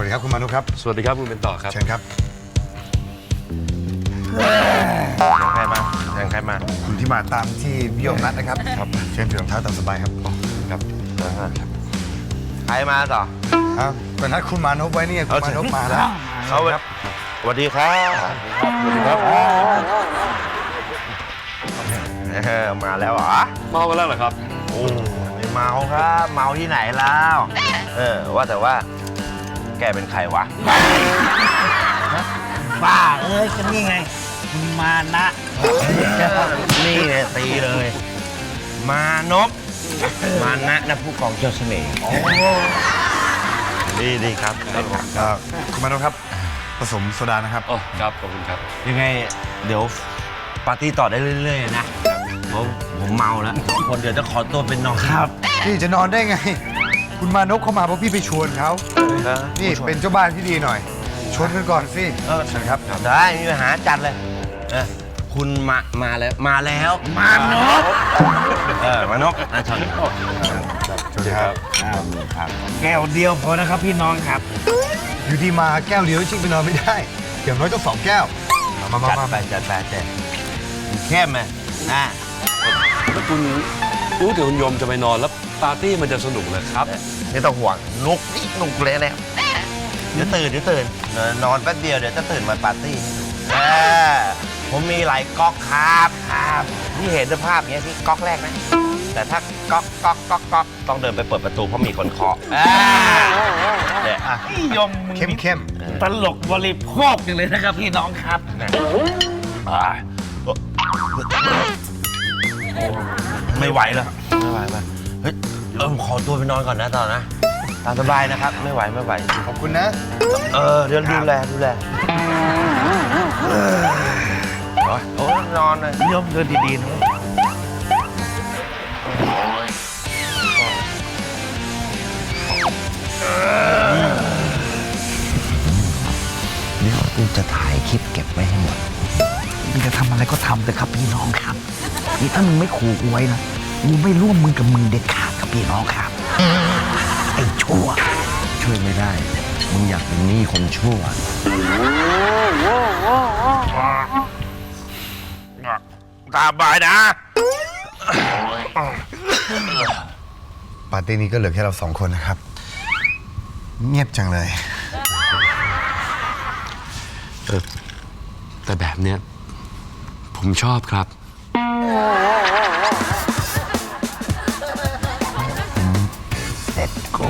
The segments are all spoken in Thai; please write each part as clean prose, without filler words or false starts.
วัสดีครับคุณมานุครับสวัสดีครับคุณเป็นต่อครับเชิญครับใครมาใครมาคุณที่มาตามที่พี่โยมนัดนะครับครับเชิญถือรองเท้าตามสบายครับครับใครมาต่อครับก็นัดคุณมานุไว้นี่คุณมานุมาแล้วเขาครับสวัสดีครับสวัสดีครับมาแล้วเหรอเมากันแล้วเหรอครับโอ้ไม่เมาครับเมาที่ไหนแล้วว่าแต่ว่าแกเป็นใครวะบ้าเอ้ยก็นี่ไงคุณมานะนี่ไงตีเลยมานพมานะผู้กองเจ้าเสน่ห์ดีครับคุณมานุครับผสมโซดานะครับอ๋อครับขอบคุณครับยังไงเดี๋ยวปาร์ตี้ต่อได้เรื่อยๆนะผมเมาแล้วคนเดี๋ยวจะขอตัวเป็นนอนครับพี่จะนอนได้ไงคุณมานพเข้ามาเพราะพี่ไปชวนเขานี่เป็นเจ้าบ้านที่ดีหน่อยชวนกันก่อนสิเชิญครับได้มีปัญหาจัดเลยคุณมาแล้วมานกมานกเชิญครับแก้วเดียวพอนะครับพี่น้องครับอยู่ดีมาแก้วเดียวชิงไปนอนไม่ได้อย่างน้อยต้อง2 แก้วมาไปจัดเข้มไหมแล้วคุณรู้ถึงคุณโยมจะไปนอนแล้วปาร์ตี้มันจะสนุกเลยครับไม่ต้องห่วงนุกเลยเนี่ยเดี๋ยวตื่นนอนแป๊บเดียวเดี๋ยวจะตื่นมาปาร์ตี้ผมมีหลายก๊อกครับที่เห็นสภาพอย่างเงี้ยที่ก๊อกแรกนะแต่ถ้าก๊อกต้องเดินไปเปิดประตูเพราะมีคนเคาะเนี่ยยมเข้มตลกบริโภคอย่างเลยนะครับพี่น้องครับไม่ไหวแล้วเฮ้ยขอตัวไปนอนก่อนนะตอนนะตามสบายนะครับไม่ไหวขอบคุณนะเดี๋ยวดูแลโอ้นอนเลยยมเดินดีๆนะเดี๋ยวกูจะถ่ายคลิปเก็บไว้ให้หมดมึงจะทำอะไรก็ทำเลยครับพี่น้องครับนี่ถ้ามึงไม่ขู่กูไว้นะกูไม่ร่วมมือกับมึงเด็ดขาดครับพี่น้องครับไอ้ชั่วช่วยไม่ได้มึงอยากเป็นหนี้คนชั่วตาบายนะปาร์ตี้นี้ก็เหลือแค่เรา2 คนนะครับเงียบจังเลยแต่แบบเนี้ยผมชอบครับเด็ดกู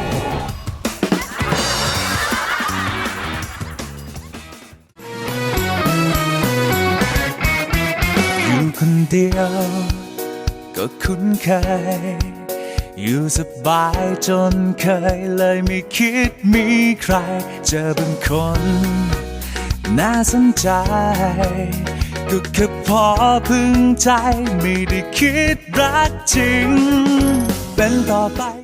อยู่คนเดียวก็คุ้นเคยอยู่สบายจนเคยเลยไม่คิดมีใครเจอเป็นคนน่าสนใจก็แค่พอพึงใจไม่ได้คิดรักจริงเป็นต่อไป